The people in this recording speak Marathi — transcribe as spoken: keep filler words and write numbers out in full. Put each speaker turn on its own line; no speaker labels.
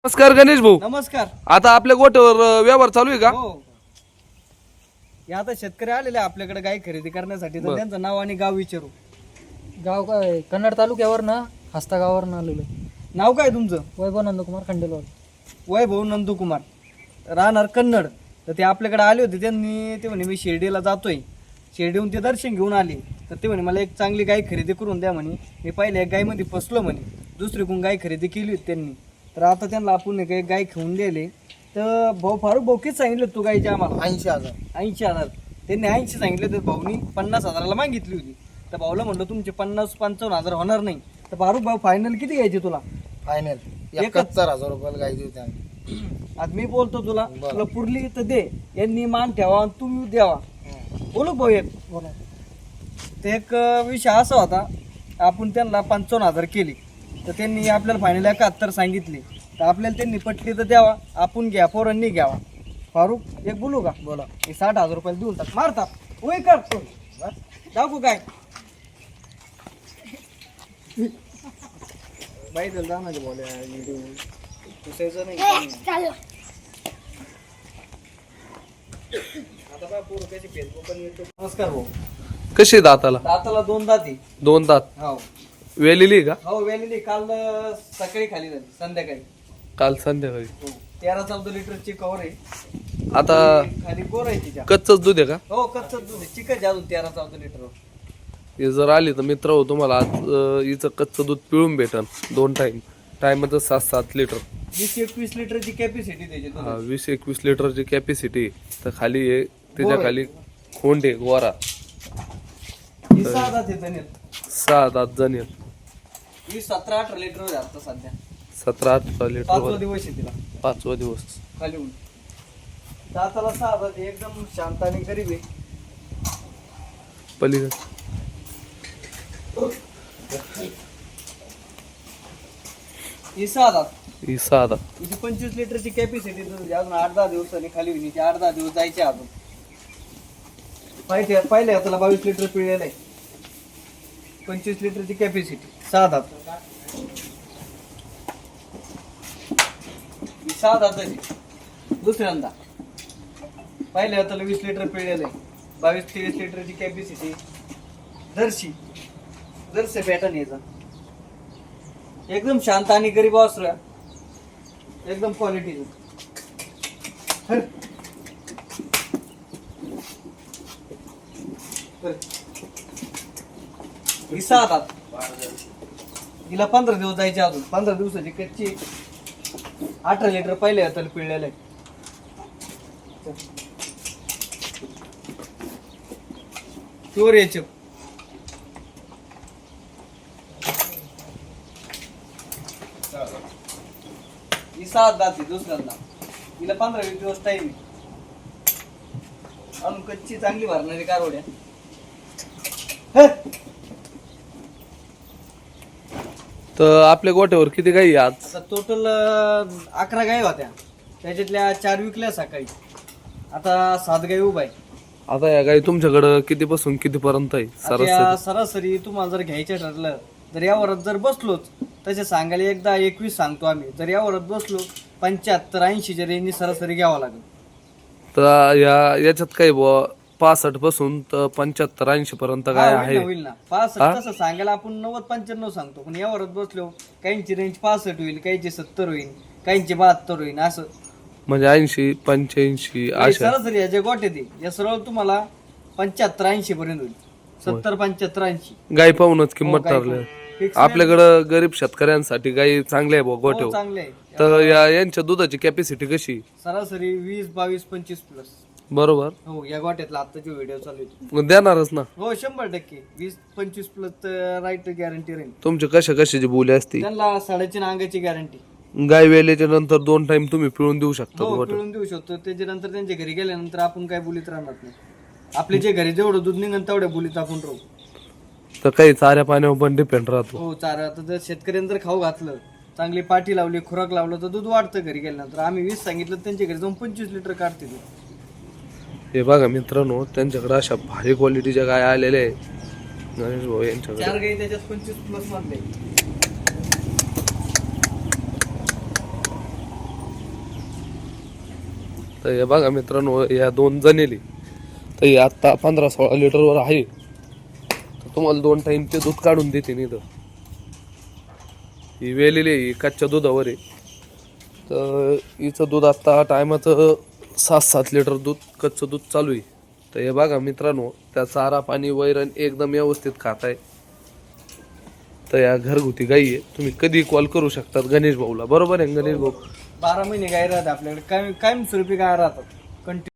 नमस्कार गणेश भाऊ.
नमस्कार.
आता आपल्या गोट्यावर अ, व्यवहार चालू आहे का?
हो. हे आता शेतकरी आलेले आहे आपल्याकडे गाय खरेदी करण्यासाठी, तर
बरं.
त्यांचं नाव आणि गाव विचारू.
गाव काय कन्नड तालुक्यावर ना हस्ता गावावरनं आलेलो आहे.
नाव काय तुमचं?
वैभव नंदकुमार खंडेलवाल.
वैभव नंदकुमार, राहणार कन्नड. तर ते आपल्याकडे आले होते, त्यांनी ते म्हणे मी शिर्डीला जातोय, शिर्डीहून ते दर्शन घेऊन आले. तर ते म्हणे मला एक चांगली गाय खरेदी करून द्या म्हणे. मी पहिल्या एक गायमध्ये फसलो म्हणे, दुसरीकडून गाय खरेदी केली होती त्यांनी. तर आता त्यांना आपण एक एक गाय घेऊन दिले. तर भाऊ फारूक भाऊ किती सांगितलं तू गायचे आम्हाला?
ऐंशी हजार
ऐंशी हजार त्यांनी ऐंशी सांगितले, तर भाऊनी पन्नास हजाराला मागितली होती. तर भाऊला म्हटलं तुमचे पन्नास पंचावन्न हजार होणार नाही. तर फारूक भाऊ फायनल किती घ्यायचे तुला?
फायनल
एकाहत्तर
हजार रुपयाला गाय देऊ आम्ही.
आज मी बोलतो तुला, तुला पुरली तर दे, यांनी मान ठेवा आणि तुम्ही द्यावा. बोलू भाऊ एक
बोला.
ते एक विषय असा होता, आपण त्यांना पंचावन्न हजार केली, तर त्यांनी आपल्याला फायनल एकाहत्तर सांगितली. तर आपल्याला त्यांनी पटली तर द्यावा, आपण घ्या, पोरांनी घ्यावा. फारूक एक बोलू का?
बोला.
हे साठ हजार रुपयाला देऊन टाक. मारता वय कर दाखवू काय बाई दिल जाणार बोल पुसायचं नाही. आता बा पोरं कशी फेसबुक पण YouTube. नमस्कार भाऊ.
कशी आहे दाताला?
दाताला दोन दाती.
दोन दात
हो
वेलेली आहे का?
हो वेलेली. काल अं, सकाळी खाली झाली, संध्याकाळी.
काल संध्याकाळी.
हो तेरा चौदा लिटरची कवर आहे.
आता
खाली गोर आहे तिच्या.
कच्चच दूध आहे का?
हो कच्च दूध आहे, चिकन अजून तेरा चौदा लिटर.
हे जर आली तर मित्र हो तुम्हाला आज अ, हिचं कच्चं दूध पिळून भेटन दोन टाइम. टाइमचं सात सात लिटर.
वीस एकवीस लिटरची कॅपॅसिटी त्याची.
हा वीस एकवीस लिटरची कॅपॅसिटी. तर खाली आहे त्याच्या
गोर आहे.
खाली खोंड आहे गोरा.
ही सहा दात आहे धन्यत.
सहा दात जण आहेत.
ही सतरा अठरा लिटर आहे आता सध्या.
सतरा अठरा लिटर
पाचवा
वर.
दिवस आहे तिला
पाचवा दिवस.
खाली होऊन. दाताला सहा दात आहे, एकदम शांत आणि गरीब आहे.
पलीकडे
ही सहा दात.
ही सहा दात.
हिची पंचवीस लिटरची कॅपॅसिटी अजून आठ दहा दिवसांनी खाली होईल. हिचे आठ दहा दिवस जायचे अजून. पाहिजे पाहिले त्याला बावीस लिटर पिळलेलं आहे. पंचवीस लिटरची कॅपॅसिटी. सहा दात. ही सहा दाताची दुसऱ्यांदा. पाहिले त्याला वीस लिटर पिळलेलं आहे. बावीस तेवीस लिटरची कॅपॅसिटी. जर्सी जर्सी पॅटर्न याचा. एकदम शांत आणि गरीब वासरू आहे. एकदम क्वालिटी. ही सहा दात. हिला पंधरा दिवस जायचे अजून. पंधरा दिवसाची कच्ची. अठरा लिटर पहिले हाताला पिळलेलं आहे. Pure H F. ही सात दाती दुसऱ्यांदा. हिला पंधरा वीस दिवस टाइम आहे. अजून कच्ची चांगली भरणारी कारवड्या.
तर आपल्या गोट्यावर किती गाई आहे आज?
आता टोटल अकरा गाई होत्या, त्याच्यातल्या चार विकल्या सकाळी. आता सात गाई उभा आहे.
आता या गाई तुमच्याकडं किती पासून किती पर्यंत आहे
आता या
सरासरी?
सरासरी तुम्हाला जर घ्यायचं ठरलं, जर या वरात जर बसलोच तसे सांगायला एकदा एकवीस सांगतो आम्ही. जर या वरात बसलो पंच्याहत्तर ऐंशी जर यांनी सरासरी घ्यावं लागेल.
तर या याच्यात काही बुवा पासष्ट पासून तर पंच्याहत्तर ऐंशी पर्यंत
हा,
काय
होईल
आहे?
ना, होईल ना. पासष्ट
हा?
तसं सांगायला आपण नव्वद पंच्याण्णव सांगतो, पण या वरात बसलो काहींची रेंज पासष्ट होईल, काहींची सत्तर होईल, काहींची बहात्तर होईल. असं
म्हणजे ऐंशी पंच्याऐंशी
हे
अशा.
सरासरी या जे गोटे ते या सरळ तुम्हाला पंच्याहत्तर ऐंशी पर्यंत होईल. सत्तर पंच्याहत्तर ऐंशी
गाई पाहूनच किंमत
हो, गाई
ठरली.
पाहून. Fix
आपल्याकडं गरीब शेतकऱ्यांसाठी गाई चांगल्या आहे बुवा
हो,
गोठ्यावर.
चांगले आहे.
तर या यांच्या दुधाची कॅपॅसिटी कशी?
सरासरी वीस बावीस पंचवीस प्लस.
बरोबर.
हो या गोट्यातला आत्ताची व्हिडिओ चालू आहे.
मग देणारच ना.
हो शंभर टक्के वीस पंचवीस प्लस राईट गॅरंटी राहील.
तुमची कशा कशाची बोली असती?
त्यांना साडेतीन अंगाची गॅरंटी.
गाय वेल्याच्या नंतर दोन टाइम तुम्ही पिळून देऊ शकता
हो
गोठ्यावर.
पिळून देऊ शकतो. त्याच्यानंतर त्यांच्या घरी गेल्यानंतर आपण काय बोलीत राहणार नाही. आपले जे घरी जेवढं दूध निघन तेवढ्या बोलीत आपण राहू.
तर काही चाऱ्या पाण्यावर पण डिपेंड राहतो.
हो चारा. आता जर शेतकऱ्यांनी जर खाऊ घातलं, चांगली पाठी लावली, खुराक लावलं, तर दूध वाढतं घरी गेल्यानंतर. आम्ही वीस सांगितलं, त्यांच्या घरी जाऊन पंचवीस लिटर काढते दूध.
हे बघा मित्रांनो, त्यांच्याकडे अशा भारी क्वालिटीच्या गाय आलेल्या आहेत गणेश भाऊ यांच्याकडे.
चार गाई त्याच्यात पंचवीस प्लस मधले.
तर हे बघा मित्रांनो, या दोन जणेली तर हे आत्ता पंधरा सोळा लिटरवर आहे. तर तुम्हाला दोन टाईम ते दूध काढून देते इथं. ही वेलेली आहे, ही कच्च्या दुधावर आहे. तर हिचं दूध आत्ता टायमाचं सात सात लिटर दूध कच्चं दूध चालू आहे. तर हे बघा मित्रांनो, त्या चारा पाणी वैरण एकदम व्यवस्थित खात आहे. तर या घरगुती गाई आहे, तुम्ही कधी कॉल करू शकतात गणेश भाऊला. बरोबर आहे गणेश भाऊ?
बारा महिने गाय राहते आपल्याकडे, कायम कायमस्वरूपी गाय राहतात कंटिन्यू.